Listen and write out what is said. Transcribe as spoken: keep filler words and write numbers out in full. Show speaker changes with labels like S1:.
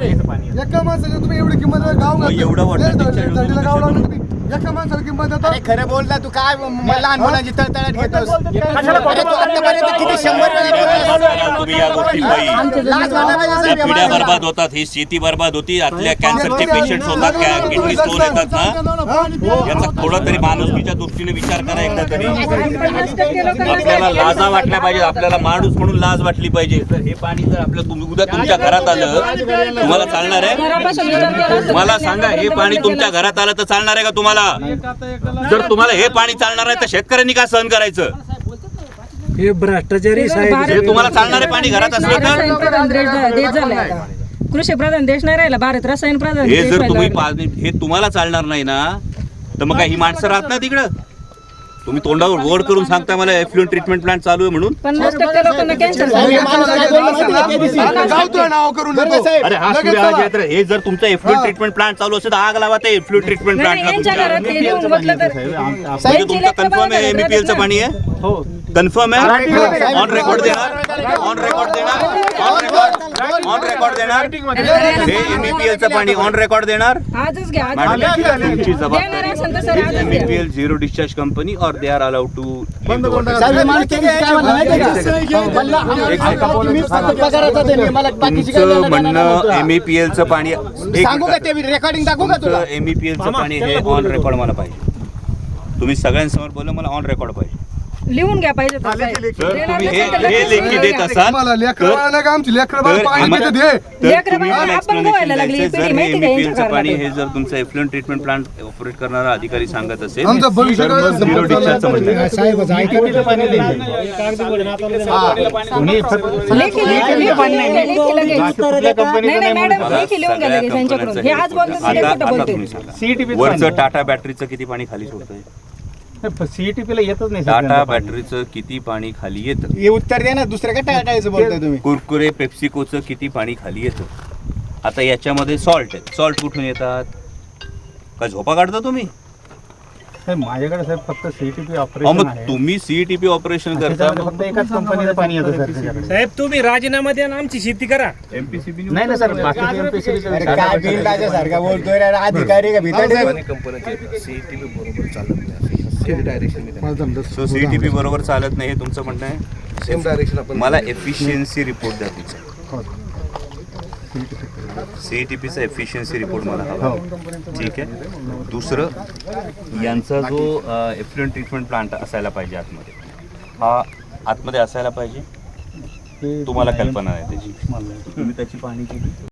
S1: एका माणसाला तुम्ही एवढी किंमत गाव
S2: एवढं
S1: वाटतं गाव लावलं तुम्ही एका माणसाला किंमत देता.
S3: खरं बोलता तू काय लहान मुलांची तळतळाट घेतोस. किती शंभर
S2: तुम्ही या गोष्टी पिढ्या बर्बाद होतात, ही शेती बर्बाद होती, आतल्या कॅन्सरचे पेशंट होतात, किडनी स्टोन येतात ना, याचा थोडा तरी माणुसकीच्या दृष्टीने विचार करा एकदा तरी. आपल्याला लाजा वाटल्या पाहिजे, आपल्याला माणूस म्हणून लाज वाटली पाहिजे. तर हे पाणी जर आपल्या उद्या तुमच्या घरात आलं तुम्हाला चालणार आहे? मला सांगा, हे पाणी तुमच्या घरात आलं तर चालणार आहे का तुम्हाला? जर तुम्हाला हे पाणी चालणार आहे तर शेतकऱ्यांनी का सहन करायचं?
S4: हे भ्रष्टाचारी साहेब,
S2: हे तुम्हाला चालणारे पाणी घरात असलं तर
S5: कृषी प्रधान देश नाही राहिला, भारत रसायन प्रधान.
S2: हे जर तुम्ही हे तुम्हाला चालणार नाही ना, तर मग काय ही माणसं राहत ना तिकडं? तुम्ही तोंडावर गोड करून सांगता मला एफ्लुएंट ट्रीटमेंट प्लांट चालू आहे म्हणून.
S5: पन्नास टक्के लोकांना कॅन्सर.
S2: अरे हा सूर्य, हे जर तुमचं एफ्लुएंट ट्रीटमेंट प्लांट चालू असेल तर आग लावा ते एफ्लुएंट ट्रीटमेंट प्लांटला. म्हणजे तुमचं कन्फर्म आहे एमईपीएलचं पाणी आहे? हो कन्फर्म आहे. ऑन रेकॉर्ड देणार, ऑन रेकॉर्ड देणार, ऑन रेकॉर्ड ऑन रेकॉर्ड देणार. हे एमईपीएलचं पाणी ऑन रेकॉर्ड देणार.
S5: आजच घ्या.
S2: तुमची जबाबदारी. एमईपीएल झिरो डिस्चार्ज कंपनी और दे आर अलाउड टू. तुमचं म्हणणं एमईपीएलचं पाणी
S3: रेकॉर्डिंग दाखवू का तुला?
S2: एमईपीएलचं पाणी हे ऑन रेकॉर्ड मला पाहिजे. तुम्ही सगळ्यांसमोर बोललं मला ऑन रेकॉर्ड पाहिजे.
S5: लिहून घ्या पाहिजे.
S2: जर तुम्ही हे हे लेखी देत असाल तर एमईपीएलचं पाणी हे जर तुमचं एफ्लुएंट ट्रीटमेंट प्लांट ऑपरेट करणारा अधिकारी सांगत असेल झिरो डिस्चार्जचं म्हणणं. वरचं टाटा बॅटरीचं किती पाणी खाली सोडतंय?
S3: सीईटीपीला येतच नाही.
S2: टाटा बॅटरीचं किती पाणी खाली येतं?
S3: हे उत्तर द्या ना, दुसऱ्या काय टाटायचं बोलताय तुम्ही?
S2: कुरकुरे पेप्सिकोचं किती पाणी खाली येतं? आता याच्यामध्ये सॉल्ट आहे. सॉल्ट कुठून येतात? का झोपा काढता तुम्ही?
S3: माझ्याकडे साहेब फक्त सीईटीपी
S2: मग
S3: ऑपरेशन आहे.
S2: तुम्ही सीईटीपी ऑपरेशन करता,
S3: फक्त एकाच कंपनीचं पाणी येतं सर.
S4: साहेब तुम्ही राजीनामा द्या, आमची शेती करा.
S2: एमपीसीबी
S3: नाही ना सर, बाकी एमपीसीबी काय बिल सारखा बोलतोय रे, अधिकारी का भीतर
S2: सो सीईटीपी बरोबर चालत नाही हे तुमचं म्हणणं आहे? Same direction. मला एफिशियन्सी रिपोर्ट द्या तुमचा. सीईटीपीचा एफिशियन्सी रिपोर्ट मला हवा. ठीक आहे. दुसरं, यांचा जो एफ्लुएंट ट्रीटमेंट प्लांट असायला पाहिजे आतमध्ये, हा आतमध्ये असायला पाहिजे. तुम्हाला कल्पना आहे त्याची? तुम्ही त्याची पाहणी केली?